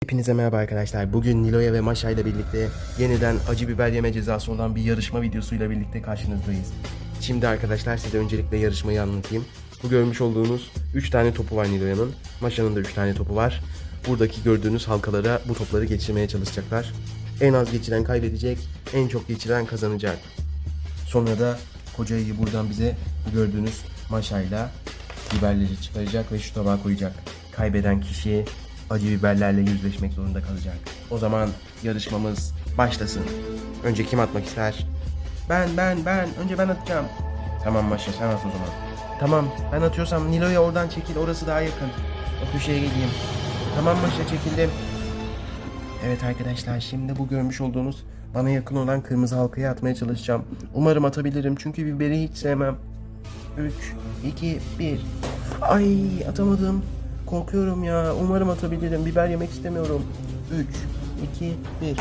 Hepinize merhaba arkadaşlar. Bugün Nilo'ya ve Maşa ile birlikte yeniden acı biber yeme cezası olan bir yarışma videosuyla birlikte karşınızdayız. Şimdi arkadaşlar size öncelikle yarışmayı anlatayım. Bu görmüş olduğunuz 3 tane topu var Nilo'yanın. Maşa'nın da 3 tane topu var. Buradaki gördüğünüz halkalara bu topları geçirmeye çalışacaklar. En az geçiren kaybedecek, en çok geçiren kazanacak. Sonra da kocayı buradan bize bu gördüğünüz maşayla biberleri çıkaracak ve şu tabağa koyacak. Kaybeden kişi acı biberlerle yüzleşmek zorunda kalacak. O zaman yarışmamız başlasın. Önce kim atmak ister? Ben. Önce ben atacağım. Tamam Maşa, sen at o zaman. Tamam, ben atıyorsam Nilo'ya oradan çekil, orası daha yakın. O köşeye gideyim. Tamam Maşa, çekildim. Evet arkadaşlar, şimdi bu görmüş olduğunuz bana yakın olan kırmızı halkaya atmaya çalışacağım. Umarım atabilirim çünkü biberi hiç sevmem. 3, 2, 1. Ay, atamadım. Korkuyorum ya. Umarım atabilirim. Biber yemek istemiyorum. 3, 2, 1.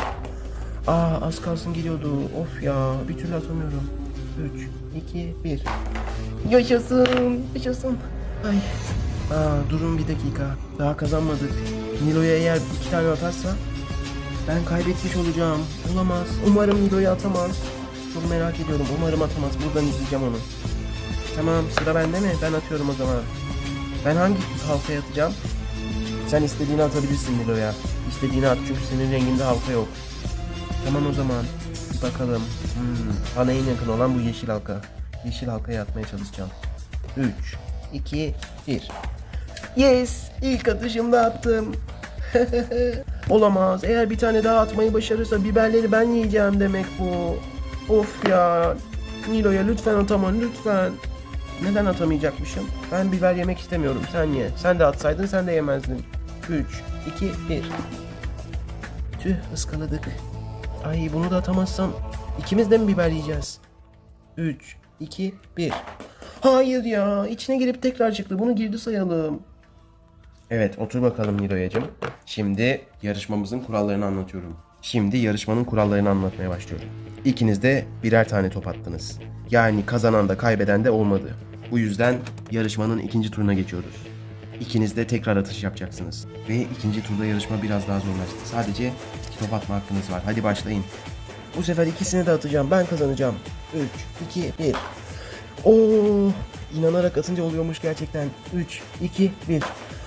Az kalsın geliyordu. Of ya, bir türlü atamıyorum. 3, 2, 1. Yaşasın. Yaşasın. Ay. Durun bir dakika. Daha kazanmadık. Nilo'ya eğer 2 tane atarsa ben kaybetmiş olacağım. Olamaz. Umarım Nilo'ya atamaz. Çok merak ediyorum. Umarım atamaz. Buradan izleyeceğim onu. Tamam, sıra bende mi? Ben atıyorum o zaman. Ben hangi halkaya atacağım? Sen istediğini atabilirsin Nilo'ya. İstediğini at çünkü senin renginde halka yok. Tamam o zaman. Bir bakalım. Bana en yakın olan bu yeşil halka. Yeşil halkaya atmaya çalışacağım. 3, 2, 1. Yes! İlk atışımda attım. Olamaz. Eğer bir tane daha atmayı başarırsa biberleri ben yiyeceğim demek bu. Of ya. Nilo'ya lütfen atama, lütfen. Neden atamayacakmışım? Ben biber yemek istemiyorum. Sen ye. Sen de atsaydın sen de yemezdin. 3, 2, 1. Tüh, ıskaladık. Ay, bunu da atamazsam ikimiz de mi biber yiyeceğiz? 3, 2, 1. Hayır ya. İçine girip tekrar çıktı. Bunu girdi sayalım. Evet, otur bakalım Nilo'yacığım. Şimdi yarışmamızın kurallarını anlatıyorum. Şimdi yarışmanın kurallarını anlatmaya başlıyorum. İkiniz de birer tane top attınız. Yani kazanan da kaybeden de olmadı. Bu yüzden yarışmanın ikinci turuna geçiyoruz. İkiniz de tekrar atış yapacaksınız. Ve ikinci turda yarışma biraz daha zorlaştı. Sadece 2 top atma hakkınız var. Hadi başlayın. Bu sefer ikisini de atacağım. Ben kazanacağım. 3, 2, 1. Oo, inanarak atınca oluyormuş gerçekten. 3, 2, 1.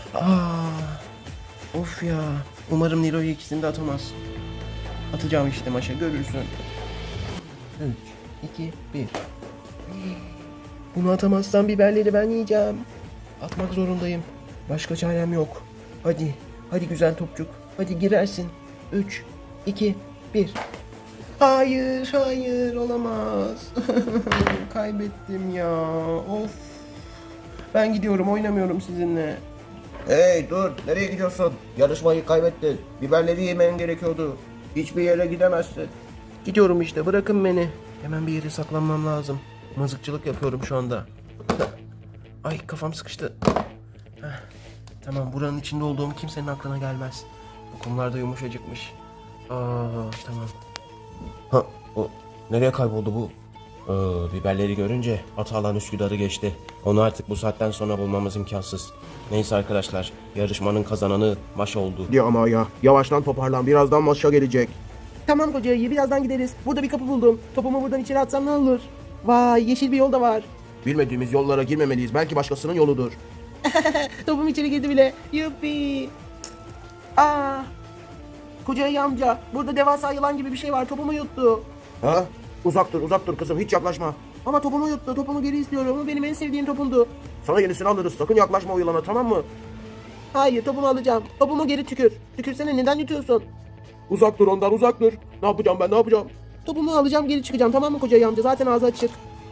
Of ya. Umarım Nilo'yu ikisini de atamaz. Atacağım işte Maşa, görürsün. 3, 2, 1. Bunu atamazsam biberleri ben yiyeceğim. Atmak zorundayım. Başka çarem yok. Hadi. Hadi güzel topçuk. Hadi girersin. 3, 2, 1. Hayır olamaz. Kaybettim ya. Of. Ben gidiyorum, oynamıyorum sizinle. Hey dur, nereye gidiyorsun? Yarışmayı kaybettin. Biberleri yemen gerekiyordu. Hiçbir yere gidemezsin. Gidiyorum işte, bırakın beni. Hemen bir yere saklanmam lazım. Mızıkçılık yapıyorum şu anda. Ay, kafam sıkıştı. Tamam, buranın içinde olduğum kimsenin aklına gelmez. Bu kumlar da yumuşacıkmış. Tamam. Nereye kayboldu bu? Biberleri görünce Atalan Üsküdar'ı geçti. Onu artık bu saatten sonra bulmamız imkansız. Neyse arkadaşlar, yarışmanın kazananı Maşa oldu. Ya ama ya, yavaştan toparlan, birazdan Maşa gelecek. Tamam kocayı, birazdan gideriz. Burada bir kapı buldum. Topumu buradan içeri atsam ne olur? Vay, yeşil bir yol da var. Bilmediğimiz yollara girmemeliyiz, belki başkasının yoludur. Topum içeri girdi bile. Yuppi. Kocayı amca, burada devasa yılan gibi bir şey var. Topumu yuttu. Ha? Uzak dur kızım, hiç yaklaşma. Ama topumu yuttu. Topumu geri istiyorum. O benim en sevdiğim topumdu. Sana yenisini alırız, sakın yaklaşma o yılana, tamam mı? Hayır, topumu alacağım. Topumu geri tükür. Tükürsene, neden yutuyorsun? Uzak dur ondan, uzak dur. Ne yapacağım ben, ne yapacağım? Topumu alacağım, geri çıkacağım, tamam mı kocayı amca? Zaten ağzı açık.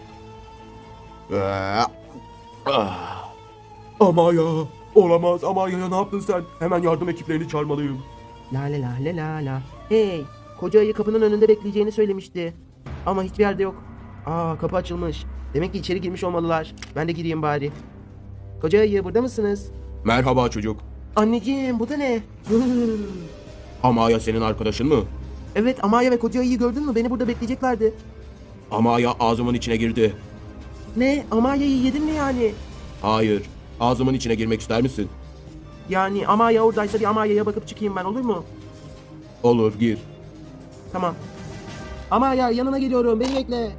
Ama ya, olamaz ama ya, ne yaptın sen? Hemen yardım ekiplerini çağırmalıyım. La la la la la la. Hey, koca ayı kapının önünde bekleyeceğini söylemişti. Ama hiçbir yerde yok. Kapı açılmış. Demek ki içeri girmiş olmalılar. Ben de gireyim bari. Koca ayı, burada mısınız? Merhaba çocuk. Anneciğim, bu da ne? Amaya senin arkadaşın mı? Evet, Amaya ve koca ayıyı gördün mü? Beni burada bekleyeceklerdi. Amaya ağzımın içine girdi. Ne? Amaya'yı yedin mi yani? Hayır, ağzımın içine girmek ister misin? Yani Amaya oradaysa bir Amaya'ya bakıp çıkayım ben, olur mu? Olur, gir. Tamam. Amaya yanına geliyorum, beni bekle.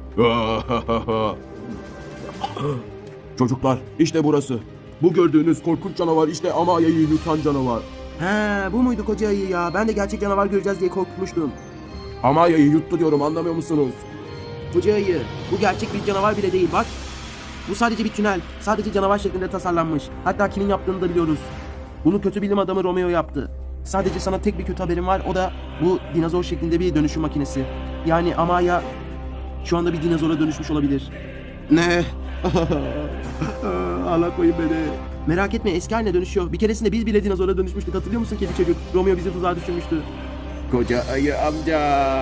Çocuklar, işte burası. Bu gördüğünüz korkunç canavar işte Amaya'yı yutan canavar. He, bu muydu koca ayı ya? Ben de gerçek canavar göreceğiz diye korkmuştum. Amaya'yı yuttu diyorum, anlamıyor musunuz? Koca ayı, bu gerçek bir canavar bile değil bak. Bu sadece bir tünel. Sadece canavar şeklinde tasarlanmış. Hatta kimin yaptığını da biliyoruz. Bunu kötü bilim adamı Romeo yaptı. Sadece sana tek bir kötü haberim var. O da bu dinozor şeklinde bir dönüşüm makinesi. Yani Amaya şu anda bir dinozora dönüşmüş olabilir. Ne? Ağlatmayın beni. Merak etme, eski haline dönüşüyor. Bir keresinde biz bile dinozora dönüşmüştük. Hatırlıyor musun kedi çocuk? Romeo bizi tuzağa düşürmüştü. Koca ayı amca.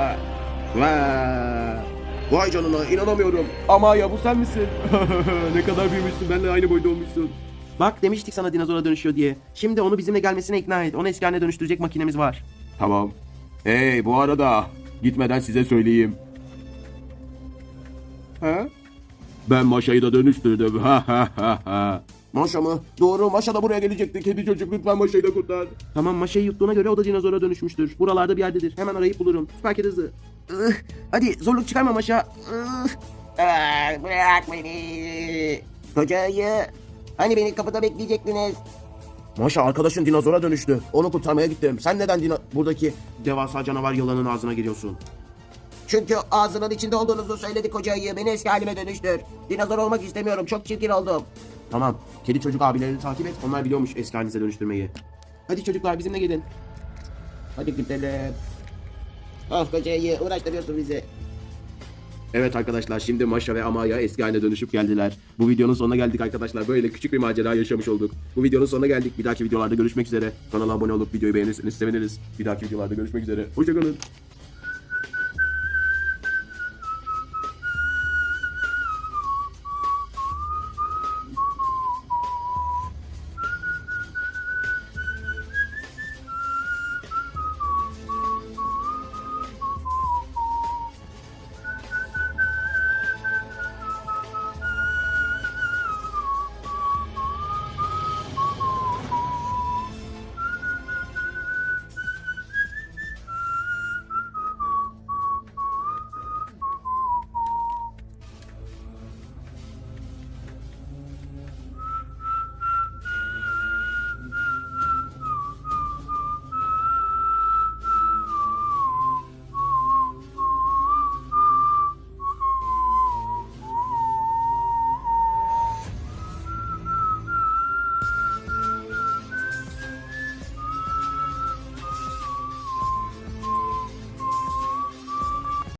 Vay. Vay canına, inanamıyorum. Amaya bu sen misin? Ne kadar büyümüşsün, benimle aynı boyda olmuşsun. Bak demiştik sana dinozora dönüşüyor diye. Şimdi onu bizimle gelmesine ikna et. Onu eski haline dönüştürecek makinemiz var. Tamam. Hey, bu arada gitmeden size söyleyeyim. Ha? Ben Maşa'yı da dönüştürdüm. Ha ha ha ha. Maşa mı? Doğru, Maşa da buraya gelecekti. Kedi çocuk, lütfen Maşa'yı da kurtar. Tamam, Maşa'yı yuttuğuna göre o da dinozora dönüşmüştür. Buralarda bir yerdedir. Hemen arayıp bulurum. Süper kedi hızı. Hadi zorluk çıkarma Maşa. Bırak beni. Koca ayı. Hani beni kapıda bekleyecektiniz? Maşa, arkadaşın dinozora dönüştü. Onu kurtarmaya gittim. Sen neden buradaki devasa canavar yılanın ağzına giriyorsun? Çünkü ağzının içinde olduğunuzu söyledi koca ayı. Beni eski halime dönüştür. Dinozor olmak istemiyorum. Çok çirkin oldum. Tamam. Kedi çocuk abilerini takip et. Onlar biliyormuş eski halinize dönüştürmeyi. Hadi çocuklar bizimle gelin. Hadi gidelim. Ah koca ayı, uğraştırıyorsun bizi. Evet arkadaşlar, şimdi Maşa ve Amaya eski haline dönüşüp geldiler. Bu videonun sonuna geldik arkadaşlar. Böyle küçük bir macera yaşamış olduk. Bu videonun sonuna geldik. Bir dahaki videolarda görüşmek üzere. Kanala abone olup videoyu beğenirseniz seviniriz. Bir dahaki videolarda görüşmek üzere. Hoşçakalın.